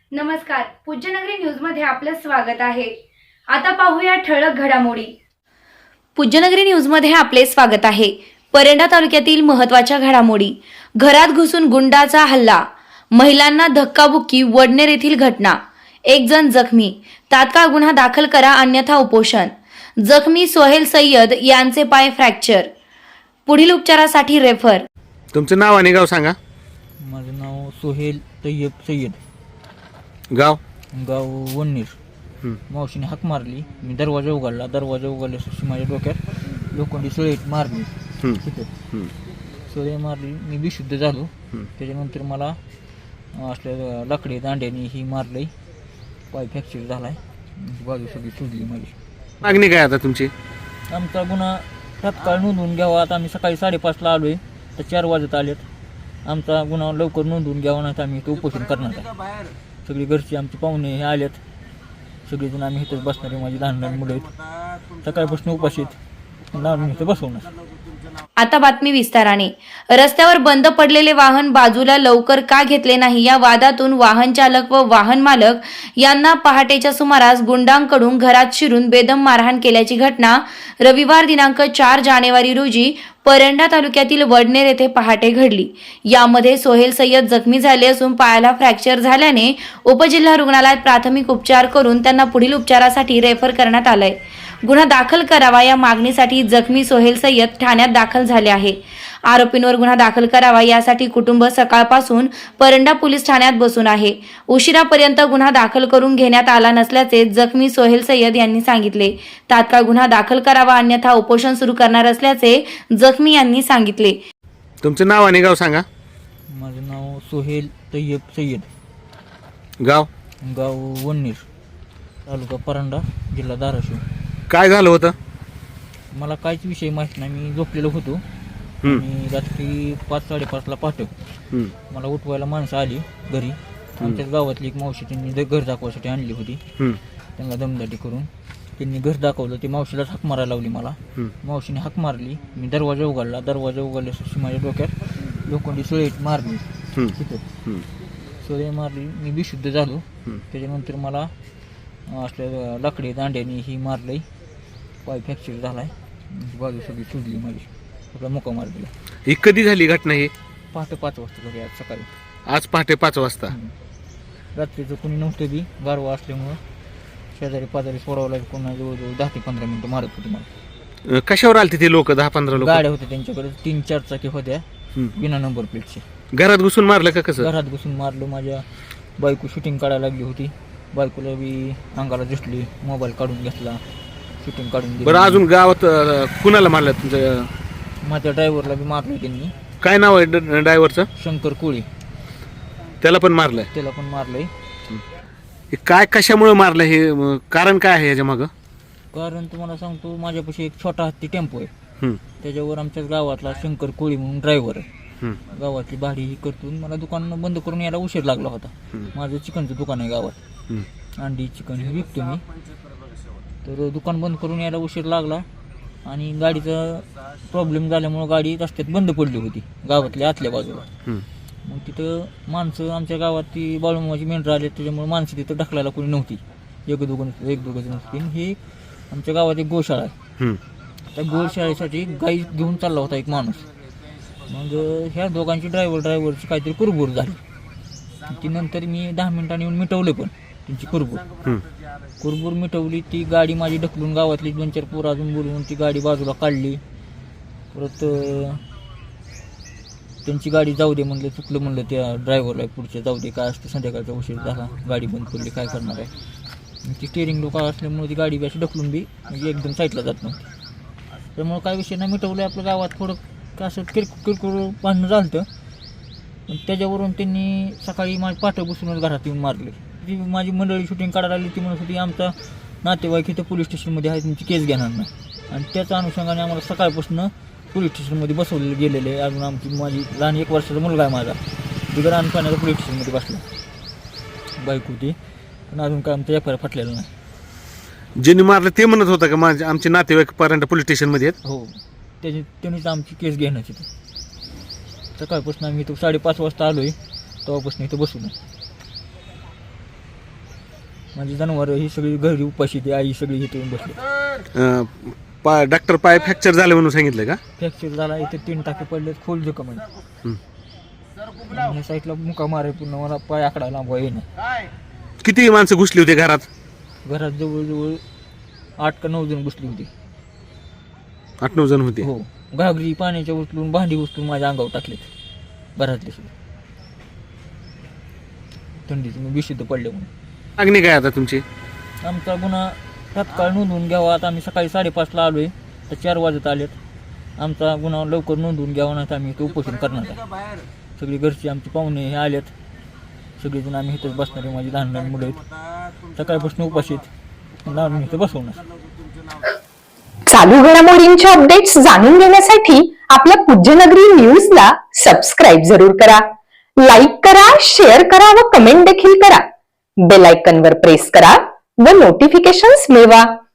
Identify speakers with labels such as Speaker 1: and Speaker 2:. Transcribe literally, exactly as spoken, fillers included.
Speaker 1: नमस्कार, पूज्यनगरी न्यूजमध्ये आपलं स्वागत आहे. आता पाहूया ठळक घडामोडी. पूज्यनगरी न्यूजमध्ये आपले स्वागत आहे. परंडा तालुक्यातील महत्त्वाच्या घडामोडी. घरात घुसून गुंडाचा हल्ला, महिलांना धक्काबुक्की, वडनेर येथील घटना, एक जण जखमी, तात्काळ गुन्हा दाखल करा अन्यथा उपोषण. जखमी सोहेल सय्यद यांचे पाय फ्रॅक्चर, पुढील उपचारासाठी रेफर.
Speaker 2: तुमचं नाव आणि गाव सांगा.
Speaker 3: माझं नाव सोहेल तय्यब सय्यद,
Speaker 2: गाव
Speaker 3: गाव वडनेर.
Speaker 2: हं.
Speaker 3: मावशीने हाक मारली, मी दरवाजा उघडला. दरवाजा उघडल्याशी माझ्या डोक्यात लोखंडी सुळेत मारली.
Speaker 2: हं.
Speaker 3: तिथं
Speaker 2: हं.
Speaker 3: सुळे मारली, मी बेशुद्ध झालो.
Speaker 2: हं.
Speaker 3: त्याच्यानंतर मला असल्या लाकडी दांड्याने ही मारलंय, पाय फ्रॅक्चर झालाय, बाजू सगळी सुजली माझी.
Speaker 2: मागणी काय आता तुमची?
Speaker 3: आमचा गुन्हा तात्काळ नोंदवून घ्यावा. आता आम्ही सकाळी साडेपाचला आलोय, तर चार वाजत आलेत. आमचा गुन्हा लवकर नोंदवून घ्यावा, नाही तर आम्ही इथं उपोषण करणार आहे. सगळी घरची आमची पाहुणे हे आलेत, सगळेजण आम्ही इथंच बसणार आहे. माझी लहान लहान मुलं आहेत, सकाळपासून उपाशी आहेत, आम्ही इथं बसवणार.
Speaker 1: आता बातमी विस्ताराने. रस्त्यावर बंद पडलेले वाहन बाजूला लवकर का घेतले नाही या वादातून वाहन चालक व वाहन मालक यांना पहाटेच्या सुमारास गुंडांकडून घरात शिरून बेदम मारहाण केल्याची घटना रविवार दिनांक चार जानेवारी रोजी परंडा तालुक्यातील वडनेर येथे पहाटे घडली. यामध्ये सोहेल सय्यद जखमी झाले असून पायाला फ्रॅक्चर झाल्याने उपजिल्हा रुग्णालयात प्राथमिक उपचार करून त्यांना पुढील उपचारासाठी रेफर करण्यात आलंय. गुन्हा दाखल करावा या मागणीसाठी जखमी सोहेल सय्यद ठाण्यात दाखल झाले आहे. आरोपींवर गुन्हा दाखल करावा यासाठी कुटुंब सकाळपासून परंडा पोलीस ठाण्यात बसून आहे. उशिरापर्यंत गुन्हा दाखल करून घेण्यात आला नसल्याचे जखमी सोहेल सय्यद यांनी सांगितले. तात्काळ गुन्हा दाखल करावा अन्यथा उपोषण सुरू करणार असल्याचे जखमी यांनी सांगितले.
Speaker 2: तुमचं नाव आणि गाव सांगा.
Speaker 3: माझं नाव सोहेल तय्यब सय्यद,
Speaker 2: गाव
Speaker 3: गाव वडनेर, तालुका परंडा, जिल्हा धाराशिव.
Speaker 2: काय झालं होतं?
Speaker 3: मला काहीच विषय माहीत नाही. मी झोपलेलो होतो
Speaker 2: हं.
Speaker 3: आणि रात्री पाच साडेपाचला पाठव
Speaker 2: हं.
Speaker 3: मला उठवायला माणसं आली घरी. आमच्याच गावातली एक मावशी त्यांनी द- घर दाखवायसाठी आणली होती.
Speaker 2: हं.
Speaker 3: त्यांना दमदाटी करून त्यांनी घर दाखवलं. ती मावशीलाच हाक मारायला लावली मला.
Speaker 2: हं.
Speaker 3: मावशीने हाक मारली, मी दरवाजा उघडला. दरवाजा उघडल्याशी माझ्या डोक्यात लोखंडी सुळेत मारली.
Speaker 2: हं.
Speaker 3: तिथं
Speaker 2: हं.
Speaker 3: सुळे मारली, मी बेशुद्ध झालो.
Speaker 2: हं.
Speaker 3: त्याच्यानंतर मला असल्या लाकडी दांड्याने ही मारलंय, पाय फ्रॅक्चर झालाय, बाजू सगळी सुजली माझी, आपला मुका मार दिला.
Speaker 2: ही कधी झाली घटना? ही
Speaker 3: पहाटे पाच वाजता घरी आज सकाळी.
Speaker 2: आज पहाटे पाच वाजता.
Speaker 3: हम्म. रात्रीचं कोणी नव्हतं बी, गारवा असल्यामुळं शेजारी पाजारी सोडावं लागेल. कोणा जवळजवळ दहा ते पंधरा मिनिटं मारत होती मला.
Speaker 2: अं, कशावर आलते ते लोक? दहा पंधरा लोक
Speaker 3: गाड्या होत्या त्यांच्याकडे, तीन चार चाकी होत्या, बिना नंबर प्लेटचे.
Speaker 2: घरात घुसून मारलं का? कसं?
Speaker 3: घरात घुसून मारलं. माझ्या बायको शूटिंग काढायला लागली होती, बायकोला बी अंगाला दिसली, मोबाईल काढून घेतला, शूटिंग काढून दिली.
Speaker 2: बरं, अजून गावात अं, कुणाला मारलं तुमचं?
Speaker 3: माझ्या ड्रायव्हरला बी मारलं त्यांनी.
Speaker 2: काय नाव आहे ड्रायव्हरचं?
Speaker 3: शंकर कोळी,
Speaker 2: त्याला पण मारलंय.
Speaker 3: त्याला पण मारलंय.
Speaker 2: हे काय कशामुळे मारलं? हे अं, कारण काय आहे याच्या मागं?
Speaker 3: कारण तुम्हाला सांगतो, माझ्यापाशी एक छोटा हत्ती टेम्पो आहे,
Speaker 2: हं.
Speaker 3: त्याच्यावर आमच्याच गावातला शंकर कोळी म्हणून ड्रायव्हर आहे.
Speaker 2: हं.
Speaker 3: गावातली भाडी ही करतून मला दुकान बंद करून यायला उशीर लागला होता.
Speaker 2: हं.
Speaker 3: माझं चिकनचं दुकान आहे गावात,
Speaker 2: हं.
Speaker 3: अंडी चिकन हे विकतो मी. तर दुकान बंद करून यायला उशीर लागला आणि गाडीचा प्रॉब्लेम झाल्यामुळं गाडी रस्त्यात बंद पडली होती गावातल्या आतल्या बाजूला.
Speaker 2: हं.
Speaker 3: मग तिथं माणसं आमच्या गावात ती बाळूमाची मेंढरं आले, त्याच्यामुळे माणसं तिथं ढकलायला कोणी नव्हती. एक दोघं एक दोघं नसतील. हे आमच्या गावात एक गोशाळा आहे,
Speaker 2: हं.
Speaker 3: त्या गोशाळेसाठी गाई घेऊन चालला होता एक माणूस. मग ह्या दोघांची ड्रायव्हर ड्रायव्हरची काहीतरी कुरबूर झाली. ती नंतर मी दहा मिनिटांनी येऊन मिटवले पण त्यांची कुरबूर.
Speaker 2: हं.
Speaker 3: कुरबूर मिटवली. ती गाडी माझी ढकलून गावातली दोन चार पोरं अजून बोलवून ती गाडी बाजूला काढली. परत त्यांची गाडी जाऊ दे म्हणलं, चुकलं म्हणलं त्या ड्रायव्हरला, पुढच्या जाऊ दे, काय असतं संध्याकाळचा उशीर झाला, गाडी बंद पडली, काय करणार आहे. ती स्टेअरिंग लोक असल्यामुळे ती गाडी बी अशी ढकलून बी म्हणजे एकदम साईडला जात नव्हती. त्यामुळं काय विषय नाही, मिटवलं. आपल्या गावात थोडं असं किरकोळ किरकोळ भांडणं झालं होतं. पण त्याच्यावरून त्यांनी सकाळी माझी पाठं बसूनच घरात येऊन मारले. ती माझी मंडळी शूटिंग काढायला आली, ती म्हणत होती आमचा नातेवाईक इथं पोलीस स्टेशनमध्ये आहे, तुमची केस घेणार नाही. आणि त्याच्या अनुषंगाने आम्हाला सकाळपासून पोलीस स्टेशनमध्ये बसवले गेलेले आहे. अजून आमची माझी लहान एक वर्षाचा मुलगा आहे माझा, बिगर आणपाण्याचा पोलीस स्टेशनमध्ये बसला, बाईक होती. पण अजून काय आमचं एफ आय आर फाटलेलं नाही.
Speaker 2: ज्यांनी मारलं ते म्हणत होतं का माझे आमचे नातेवाईक परंडा पोलीस स्टेशनमध्ये आहेत?
Speaker 3: हो, त्याची त्यांनीच आमची केस घेण्याची. सकाळपासून आम्ही इथं साडेपाच वाजता आलो आहे, तेव्हापासून इथं बसून. माझी जनावर ही सगळी घरी उपाशी ती आई सगळी इथे येऊन बसली.
Speaker 2: अं, पा डॉक्टर पाय फ्रॅक्चर झाले म्हणून सांगितलं का?
Speaker 3: फ्रॅक्चर झाला, इथे तीन टाके पडले, खोल जखम आहे.
Speaker 2: हं.
Speaker 3: आणि ह्या साईडला मुका मारे पूर्ण मला पाय आकडा लांबवा येणे.
Speaker 2: किती माणसं घुसली होती घरात?
Speaker 3: घरात जवळजवळ आठ का नऊ जण बसली होती.
Speaker 2: आठ नऊ जण होते.
Speaker 3: हो, घागरी पाण्याच्या उचलून भांडी उचलून माझ्या अंगावर टाकलेत घरातले सुद्धा. थंडीत मी बेशुद्ध पडले म्हणून.
Speaker 2: मागणी काय आता तुमची?
Speaker 3: आमचा गुन्हा तात्काळ नोंदवून घ्यावा. आता आम्ही सकाळी साडेपाचला आलो आहे, तर चार वाजत आलेत. आमचा गुन्हा लवकर नोंदवून घ्यावा, नाही तर आम्ही इथं उपोषण करणार आहे. सगळी घरची आमची पाहुणे हे आलेत, सगळेजण आम्ही इथंच बसणार आहे. माझी लहान लहान मुलं आहेत, सकाळपासून उपाशी आहेत, लहान इथं बसवणार.
Speaker 4: चालू घडामोडींचे अपडेट्स जाणून घेण्यासाठी आपल्या पूज्यनगरी न्यूजला सबस्क्राईब जरूर करा. लाईक करा, शेअर करा व कमेंट देखील करा. बेल आयकॉनवर प्रेस करा व नोटिफिकेशन्स मिळवा.